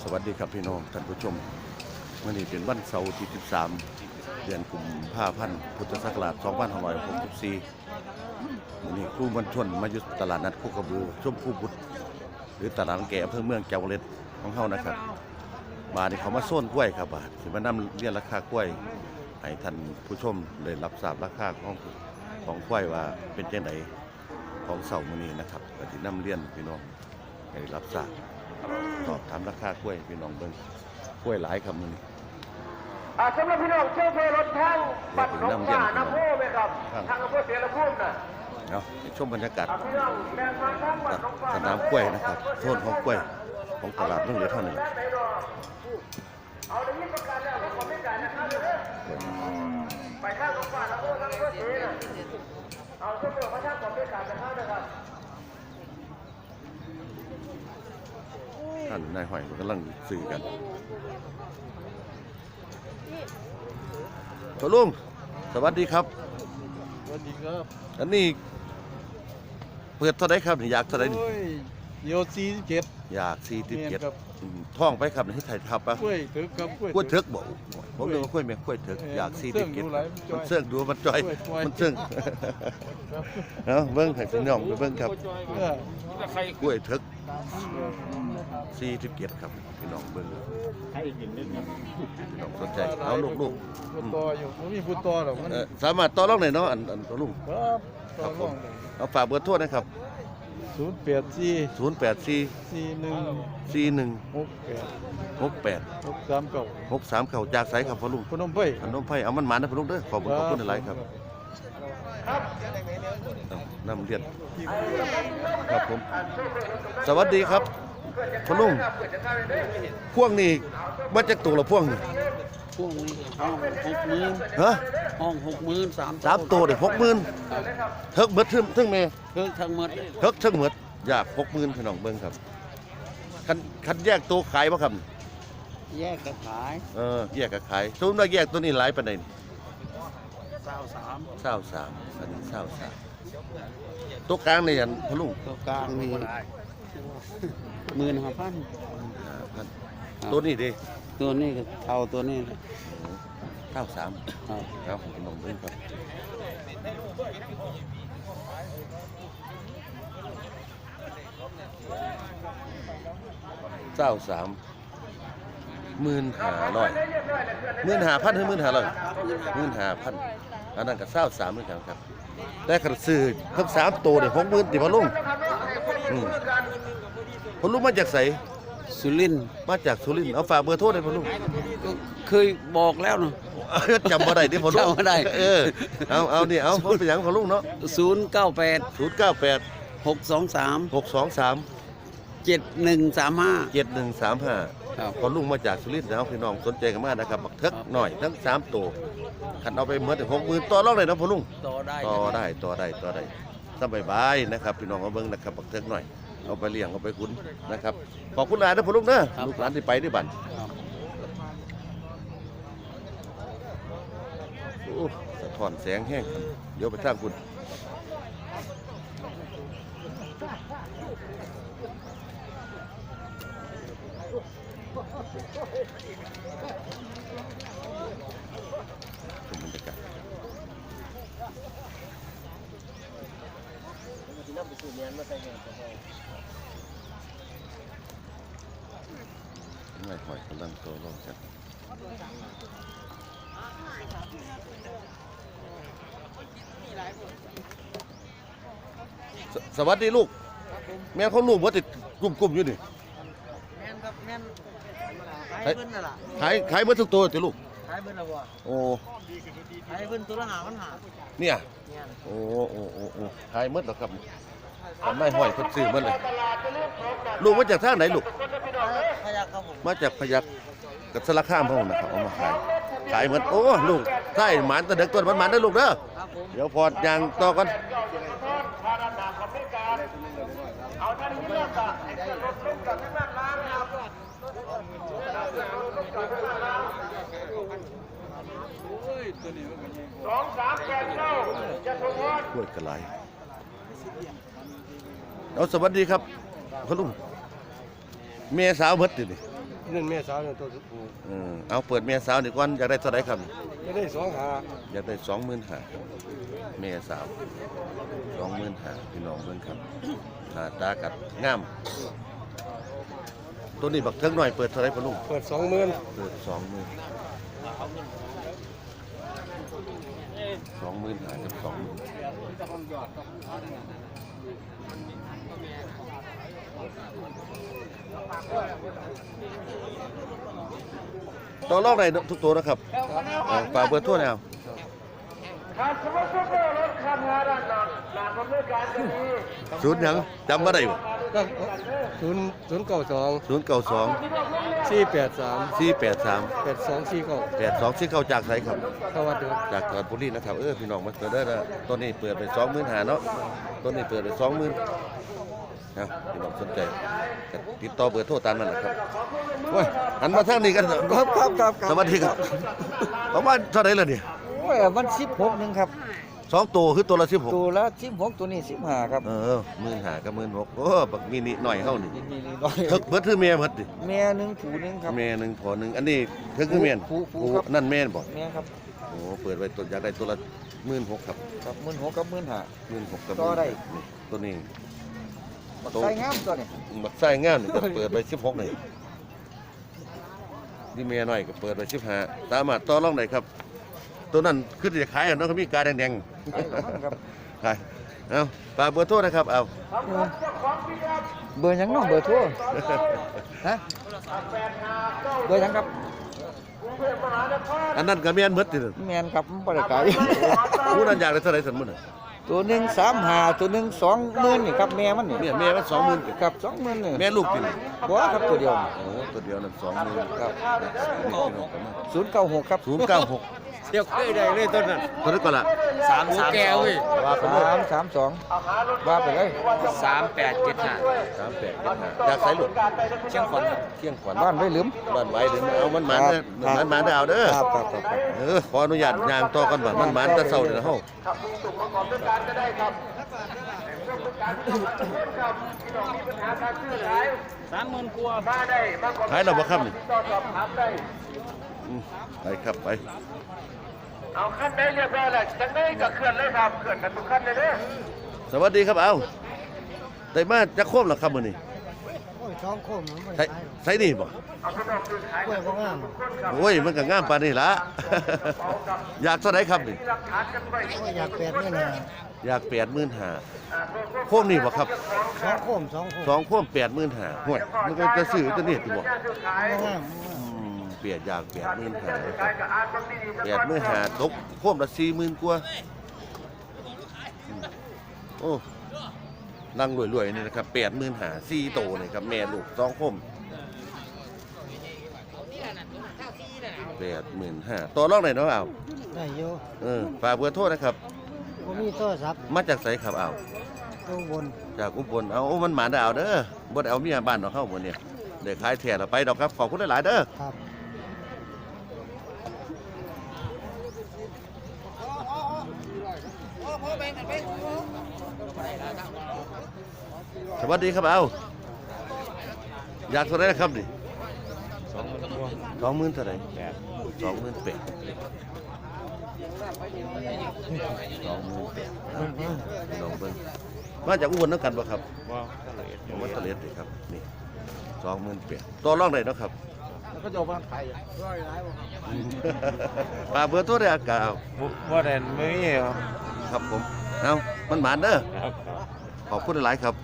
สวัสดีครับพี่น้องท่านผู้ชมวันนี้เป็นวันเสาร์ที่ 13 เดือนกุมภาพันธ์พุทธศักราช 2564วันนี้ครูมันชวนมาอยู่ตลาดนัดโคกระบือชมพูบุตรหรือตลาดแก่อำเภอเมืองจังหวัดของเฮานะครับมาที่เขามาโซนกล้วยครับสิมานำเรียนราคากล้วยให้ท่านผู้ชมได้รับทราบราคาของกล้วยว่าเป็นจังไดของเสาร์มื้อนี้นะครับก็สินำเรียนพี่น้องให้รับทราบสอบถามราคากล้วยพี่น้องเบิ่งกล้วยหลายครับมื้อนี้สำหรับพี่น้องเชื่อเพลรถทางบัตรน้องฟ้าน้ำพุไหมครับทางอำเภอเสรภูมิน่ะเนาะชมบรรยากาศสนามกล้วยนะครับโซนของกล้วยของตลาดรุ่งเรืองเท่านี้เอาได้ยินประกาศแล้วเราขอไม่จ่ายนะครับไปทางน้องฟ้าน้ำพุทางอำเภอเสรเอาเชื่อเพลมาทางขอไม่จ่ายนะครับท่านนายห้อยกำลังสื่อกันตัวลุงสวัสดีครับสวัสดีครับอันนี้เปิดเท่าไรครับอยากเท่าไรโย47 อยาก47ท่องไปครับให้ถ่ายทับปะกล้วยถึกครับกล้วยถึกบอกผมเรียกว่ากล้วยแม่กล้วยถึกอยาก47มันเสื่องดูมันจ่อยมันเสื่องเนาะเบิ้งให้พี่น้องไปเบิ้งครับกล้วยถึก47ครับพี่น้องเบิ้งพี่น้องสนใจเอาลูกต่ออยู่มันมีผู้ต่อหรอกมันสามารถต่อรองได้เนาะอันตัวลุงครับผมเอาฝากเบอร์โทรนะครับ 084 41 639จากไสครับพ่อลุงพนมไพเอามันหมานะพ่อลุงเด้อขอบคุณหลายครับนำเรียนครับผมสวัสดีครับพ่อลุงพวงนี้มาจากตัวละพวงนี่พวกนี้ห้อง60,000 ฮะห้อง60,000 3ตัวได้60,000เทิกเบิดทึ่งแม่เพิ่งทั้งหมดเทิกทั้งหมดอยาก60,000พี่น้องเบิ่งครับคันแยกตัวขายบ่ครับแยกก็ขายแยกก็ขายสมมุติว่าแยกตัวนี้หลายปานใด 23 อันนี้23ตัวกลางนี่อันพ่อลุงตัวกลางมี15,000 ตัวนี้ดิตัวนี้ก็เท่าตัวนี้ 93ครับพี่น้องเบิ่งครับ15,000 15,000 ถึง 15,500 อันนั้นก็23เหมือนกันครับแต่คันซื้อทั้ง3ตัวนี่60,000ติพ่อลุงพ่อลุงมาจากไสสุรินทร์มาจากสุรินทร์เอาฝากเบอร์โทรได้พ่อลุงเคยบอกแล้วเนาะจำบ่ได้ดิพ่อลุงจำบ่ได้เอานี่เอาเป็นหยังพ่อลุงเนาะ 098 623 7135 พอลุงมาจากสุรินทร์แล้วพี่น้องสนใจกันมากนะครับบักเทิกหน่อยทั้ง3ตัวคันเอาไปเหมือนถึง60,000ต่อรองเลยนะพ่อลุงต่อได้สบายนะครับพี่น้องเอาเบิ่งนะครับบักเทิกหน่อยเอาไปเลี้ยงเอาไปขุนนะครับขอบคุณหลายนะพ่อลุงเด้อลูกหลานที่ไปด้วยบัดโอ้สะท้อนแสงแห้งเดี๋ยวไปทางคุณบรรยากาศไม่หอยกำลังตัวรองกันสวัสดีลูกแม่เขาลูกว่าติดกลุ่มอยู่นี่แม่นครับแม่นขายเพิ่นน่ะล่ะขายเมื่อทุกตัวติลูกขายเพิ่นแล้วบ่โอ้ขายเพิ่นตัวละ5,000 เนี่ยโอ้ขายเมื่อแล้วครับทำไมห้อยเพิ่นซื้อเมื่อเลยลูกมาจากทางไหนลูกพยัคฆ์ครับผมมาจากพยัคฆ์กับสารคามพ่อนะครับเอามาขายเหมือนโอ้ลูกใช่หมานตะเด็กตัวหมานได้ลูกเด้อเดี๋ยวพอดยางต่อกันเอาท่านนี้เลือกอ่ะรถลุกกับที่นั่นล้างนะครับ2-3-8-9จะทวดกล้วยกระไรเอาสวัสดีครับคุณลุงเมียสาวเบิดดินั่นแม่สาวเนี่ยตัวสุดผูเอาเปิดแม่สาวนี่ก่อนอยากได้เท่าไหร่ครับไม่ได้สองหาอยากได้25,000แม่สาว25,000พี่น้องเบิ่งครับหน้าตากัดงามตัวนี้บักเทิงหน่อยเปิดเท่าไหร่พ่อลุงเปิด20,000 เปิด20,000 20,000หากับ20,000ต่อรอบไหนทุกตัวนะครับฝากเบอร์โทรหน่อยเอาครับสมมติว่าเราลดค่างานด้านหลังหลังดำเนินการจะมีศูนย์หยังจำบ่ได้บ่ 092 483 8249 จากไสครับเข้าวัดเด้อจากจังหวัดบุรีนะครับพี่น้องมาเปิดได้แล้วต้นนี้เปิดไป25,000เนาะต้นนี้เปิดไป20,000นะพี่น้องสนใจก็ติดต่อเบอร์โทรตามนั้นนะครับโอ้ยหันมาทางนี้กันครับสวัสดีครับประมาณเท่าไหร่ล่ะนี่โอ้ยมัน16นึงครับ 2ตัวคือตัวละ16 ตัวละ16ตัวนี้15ครับ 15,000กับ16,000โอ้บักมินิหน่อยเฮานี่นี่น้อยเบิดคือแม่เบิดดิแม่หนึงผูหนึงครับแม่หนึงพอหนึงอันนี้ถึงคือแม่นผู้ครับนั่นแม่นบ่แม่ครับโอ้เปิดไว้ตัวอยากได้ตัวละ16,000ครับครับ16,000กับ15,000 16,000กับต่อได้นี่ตัวนี้บักไส้งามตัวนี้บักไส้งามนี่ก็เปิดไป16นี่นี่แม่น้อยก็เปิดไป15สามารถต่อรองได้ครับ ตัวนั้นคือจะขายอ่ะเนาะเขามีกาแดงไอ้ของมันครับๆขายเอาฝากเบอร์โทรนะครับเอาเบอร์หยังเน้องเบอร์โทรฮะเบอร์หยังครับอันนั้นก็แม่นหมดติแม่นครับมันบ่ได้ขายผู้นั้นอยากได้เท่าไหร่ซั่นมื้อน่ะตัวหนึง35ตัวหนึง20,000นี่ครับแม่มันนี่แม่มัน20,000 ครับ20,000นี่แม่ลูกติบ่ครับตัวเดียวนี่โอ้ตัวเดียวนั่น20,000 ครับนี่พี่น้องกันมา 096ครับ 096 เที่ยวเคยได้เลยต้นนั้นเท่าไหร่ก่อนล่ะแก้วเว้ยว่าไปเลย 332ว่าไปเลย 3875อยากใส่ลูกเชียงขวัญเที่ยงขวัญบ้านไว้ลืมบ้านไว้เด้อเอามันหมานเด้อมันหมานเด้อเอาเด้อครับขออนุญาตย่างต่อกันบ่มันหมานแต่เช้าเด้อเฮาครับมีสุ่มประกอบด้วยการก็ได้ครับเรื่องการประกอบครับพี่น้องมีปัญหาการซื้อขาย 30,000กว่ามาได้มากกว่าขายแล้วบ่ครับนี่ต่อสอบถามได้ไปครับไปเอาขั้นได้เรียบร้อยแล้วจังได้ก็เคลื่อนเลยครับเคลื่อนกันทุกขั้นเลยเด้อสวัสดีครับเอาได้มาจะโค้มแล้วครับมื้อนี้โอ้ยท้องโคมมันไม่ใส่ใช่ใส่นี่บ่เอาพี่น้องซื้อขายกล้วยก็งามทุกคนครับโอ้ยมันก็งามปานนี้ล่ะ อยากเท่าไหร่ครับนี่มีหลักฐานกันไว้โอ้ยอยากแปดนี่นะอยาก85,000โค้มนี่บ่ครับท้องโคมท้องโคมสองโค้ม85,000ห่วยมันก็จะซื้อตัวนี้ติบ่ซื้อขายก็งามเปลี่ยนอยาก85,000ครับขายกับอาร์ตบางทีดี 85,000ตกโค้มละ40,000กว่าโอ้นั่งรวยๆนี่นะครับ85,000 4โตนี่ครับแม่ลูก2โค้ม85,000ต่อรองได้เนาะเอาได้โยฝากเบอร์โทรนะครับผมมีโทรศัพท์มาจากไสครับเอาตู้บนจากอุบลเอามันหมาได้เอาเด้อบ่ได้เอาเมียบ้านเนาะเฮาบ่เนี่ยได้ขายแท้แล้วไปดอกครับขอบคุณหลายๆเด้อครับสวัสดีครับเอาอยากเท่าไหรนะครับดิ20,000เท่าไหร่28,000 ลองเบิ่งมาจากอุบลนำกันบ่ครับว่าตะเล็ดนี่ครับนี่28,000ต่อรองได้เนาะครับแล้วก็จะเอาบ้านขายฝากเบอร์โทรได้อากาเอาบ่ได้ไม่มีครับครับผมเอามันหมานเด้อครับขอบคุณหลายๆครับ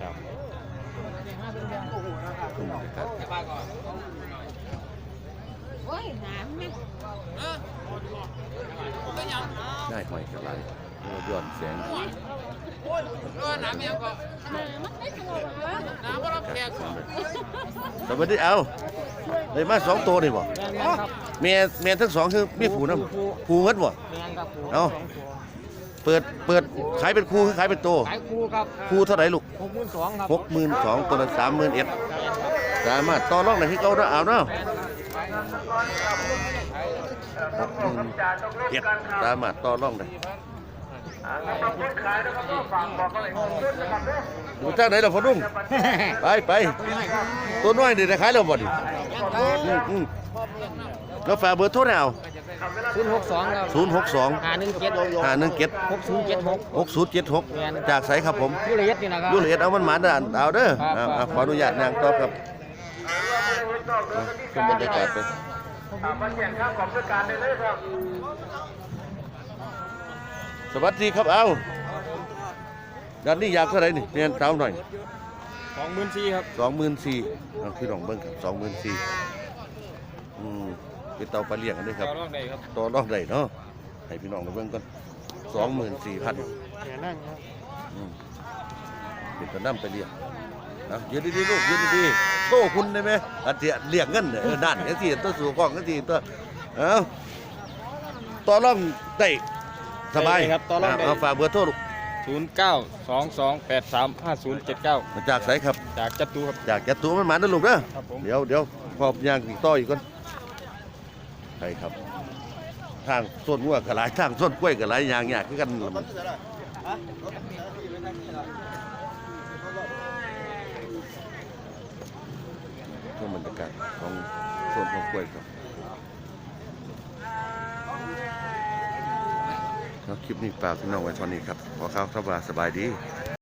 ครับโอ้ยน้ำไหมได้หอยกระไรย้อนแสงน้ำมันไม่ตัวเหรอน้ำว่าเราแขกสวัสดีเอาได้มา2ตัวนี่บ่แม่ทั้งสองคือมีผูนำผูหมดบ่เอาเปิดขายเป็นคู่คือขายเป็นโตขายคู่ครับคู่เท่าไหร่ลูก 62,000ครับ 62,000ตัวละ31,000สามารถต่อรองได้ที่เก่าเนาะเอาเนาะ61,000สามารถต่อรองได้คนขายนะครับฝากบอกอะไรของขึ้นนะครับเด้ออยู่ทางไหนล่ะพ่อลุงไปตัวน้อยนี่ได้ขายแล้วบ่ดิขอแล้วฝากเบอร์โทรแล้ว 062ครับ 062 517 517 6076 6076จากไสครับผมยูเลียดนี่นะครับยูเลียดเอามันหมาเด้อเอาเด้อครับขออนุญาตนางตอบครับขึ้นบรรยากาศไปมาแจ้งข้าวของราชการได้เลยครับสวัสดีครับเอาด้านนี้อยากเท่าไหร่นี่เรียนเท้าหน่อย 24,000ครับ 24,000เอาพี่น้องเบิ่งครับ24,000เป็นเตาปลาเลี้ยงกันด้วยครับต่อรองได้ครับต่อรองได้เนาะให้พี่น้องได้เบิ่งก่อน24,000 แค่นั่งครับเป็นตะน้ำไปเลี้ยงนะยืนดีๆลูกยืนดีๆโตคุณได้ไหมอาจจะเลี้ยงเงินเนี่ยนั่นจังซี่ตัวสู่กล้องจังซี่ตัวเอาต่อรองได้สบายครับต่อรองได้เอาฝากเบอร์โทรลูก 0922835079 มาจากไสครับจากจัตุครับจากจะตัวมันหมาเด้อลูกเด้อครับผมเดี๋ยวพอบย่างอีกต่ออีกก่อนใช่ครับทางส้นงัวก็หลายทางส้นกล้วยก็หลายอย่างยากคือกันล่ะมันช่วงบรรยากาศของส้นของกล้วยครับแล้วคลิปนี้ฝากพี่น้องไว้เท่านี้ครับขอข่าวสบายดี